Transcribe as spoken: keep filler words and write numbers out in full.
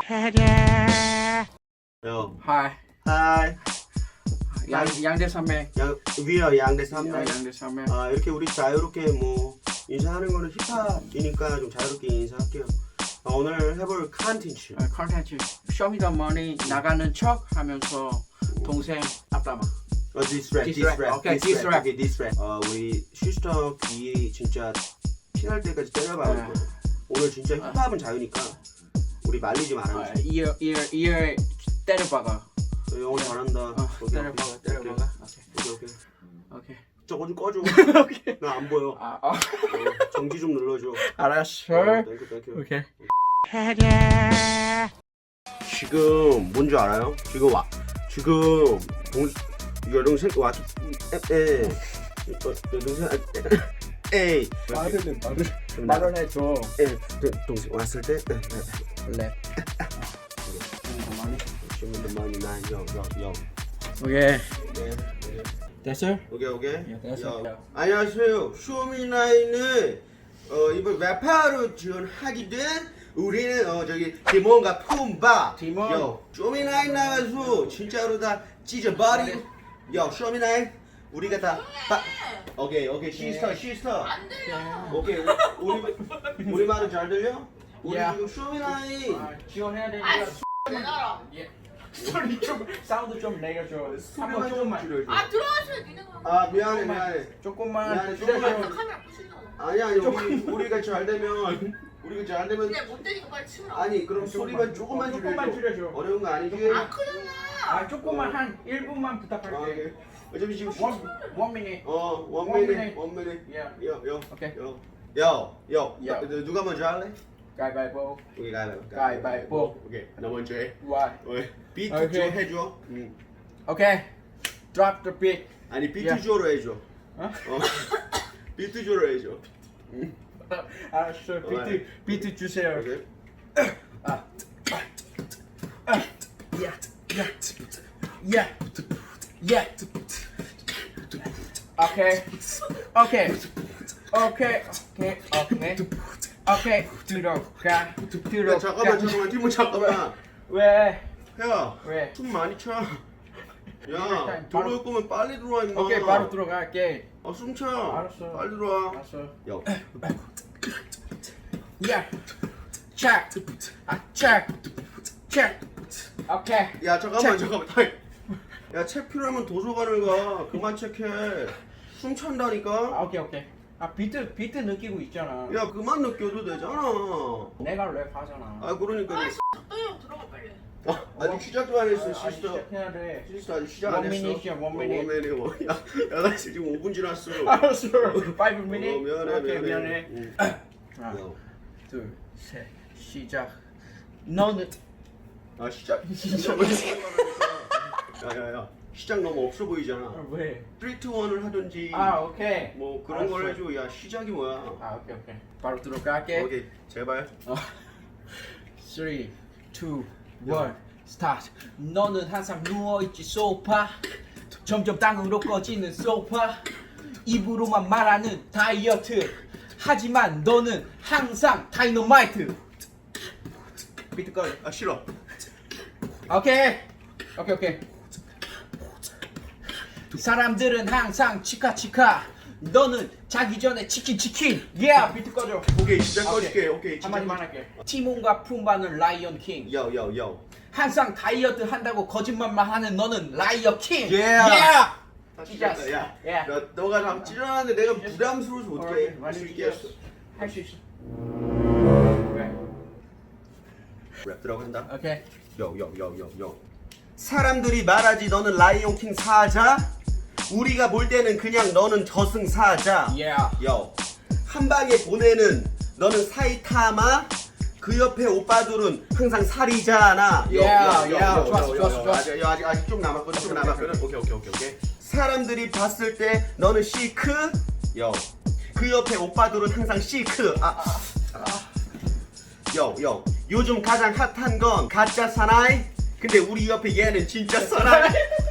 요. Hi. 하이. 양 양대 산맥. 양 위어 양대 삼매. 양대 산맥. 아 이렇게 우리 자유롭게 뭐 인사하는 거는 힙합이니까 좀 자유롭게 인사할게요. 아, 오늘 해볼 컨텐츠. 컨텐츠. 쇼미더머니 나가는 척 하면서 동생 앞담아. 어 디스트랙, 디스트랙. 디스트랙, 오케이, 디스트랙. 오케이 디스트랙. 어 우리 시스터 귀 진짜 피날 때까지 때려봐야 돼. 오늘 진짜 힙합은 자유니까 우리 말리지 말아. 이어 이어 이어 때려박아. 영어 잘한다. 어, 때려박아 때려박아. 오케이 오케이. 오케이. 저거 좀 꺼줘. 오케이. 나 안 보여. 아, 아. 어, 정지 좀 눌러줘. 알았어. 어, 땡큐 땡큐. 오케이. 지금 뭔지 알아요? 지금 와 지금 동 여동생 와 에, 여동생 에이 말을 말을 말을 해줘. 에 동생 왔을 때 랩. 주문도 많이 나요요요 오케이. 네 됐어? 오케이 오케이 예, 됐어. 요. 안녕하세요 쇼미나인을 어 이번 래퍼로 지원하게 된 우리는 어 저기 디몬과 품바 디몬. 요 쇼미나인 나와서 진짜로 다 찢어버리 요 쇼미나인 우리가 다 바... 오케이 오케이 시스터 시스터 안 들려. 오케이 우리 우리 말은 잘 들려? 우리 야. 지금 쇼미나인 아, 지원해야 아, 되니까. 내놔라. 예. 소리 좀 사운드 좀 내려줘. 한번 소리만 좀 조금만. 줄여줘. 아, 들어가셔야 니네가. 아 미안해 미안해 조금만. 미안해, 줄여줘. 조금만. 카메라 부시잖아. 아니 아니 우리 우리가 잘 되면 우리가 잘 되면 근데 못 되니까 빨리 치우라. 아니 그럼 조금만, 소리만 조금만 줄여줘. 조금만 줄여줘. 어려운 거 아니지? 안 크잖아. 아 조금만 한 일 분만 아, 부탁할게. 오케이. 어차피 지금 원 원 미닛. 어 One 원미닛 minute. 원미닛 예. 요요 오케이. 요요요 야. 누가 먼저 할래? 가위바위보. 우리 가위바위보 가위바위보. 오케이 나 먼저 해 Why? 오케이 비트 오케이. 줘 해줘 응. 오케이. Drop the beat. 아니 비트 야. 줘로 해줘 어? 어 비트 줘로 해줘 응. 알았어. 비트 비트 주세요. 오케이 아. 아. 야. 야. 야. 야. 오케이. 오케이. 오케이. 오케이. 오케이. 오케이. 들어가. 야 들어가. 잠깐만 잠깐만 팀원 잠깐만 왜? 야 왜? 숨 많이 차. 야, 일단 바로- 들어올 거면 빨리 들어와 임마. 오케이, 바로 들어갈게. 아, 숨 차. 알았어. 빨리 들어와. 알았어. 야, 야. 체크. 아, 체크. 체크. 오케이. 야 잠깐만 체크. 잠깐만. 타임. 야, 책 필요하면 도서관을 가. 그만 책해. 숨 찬다니까. 아, 오케이, 오케이. 아, 비트 비트 느끼고 있잖아. 야, 그만 느껴도 되잖아. 내가 랩 하잖아. 아, 그러니까. 아, 씨, 들어가 빨리. 아, 아직 시작도 안 했어, 아, 아직 시스터. 시작해야 돼. 시스터 아직 시작 안 원 했어. 미닛이야, 원 어, 미닛. 원 미닛. 뭐. 야, 야, 나 지금 오 분 지났어. 알았어. 파이브 어, 미닛. 미안해, 오케이, 미안해. 미안해. 응. 하나, 야. 둘, 셋. 시작. 너는 아, 시작. 시작. 야, 야, 야. 시작 너무 없어 보이잖아. 아, 왜? 삼, 이, 일을 하든지 아, 오케이. 뭐 그런 걸 알았어. 해줘. 야 시작이 뭐야? 아, 오케이, 오케이. 바로 들어갈게. 오케이 제발. 어. 삼, 이, 일, 스타트. 너는 항상 누워있지 소파. 점점 땅으로 꺼지는 소파. 입으로만 말하는 다이어트. 하지만 너는 항상 다이너마이트. 비트 꺼. 아 싫어. 오케이. 오케이, 오케이. 사람들은 항상 치카치카. 너는 자기 전에 치킨 치킨. 예. Yeah, 비트 꺼줘. 오케이 시작 오케이. 꺼줄게. 오케이 시작. 한마디만 할게. 티몬과 푼바는 라이언 킹. 요요요. 항상 다이어트 한다고 거짓말만 하는 너는 라이어 킹. Yeah. 찢었어. 야, 예. 야, 너가 나 찌르는데 내가 부담스러워서 어떡해? 많이 할수 있겠어. 할 수 있어. 왜? 랩 들어간다. 오케이. 요요요요요. 사람들이 말하지 너는 라이온 킹 사자. 우리가 볼 때는 그냥 너는 저승사자. 예. 요. 한 방에 보내는 너는 사이타마. 그 옆에 오빠들은 항상 살이잖아. 요, 야, 요, 요, 야, 요, 좋았어, 요, 좋았어, 요. 좋았어. 아직, 아직 아직 좀 남았거든. 좀 남았거든. 오케이 오케이 오케이 오케이. 사람들이 봤을 때 너는 시크. 요. 그 옆에 오빠들은 항상 시크. 아. 아. 요, 요. 요즘 가장 핫한 건 가짜 사나이. 근데 우리 옆에 얘는 진짜 사나이.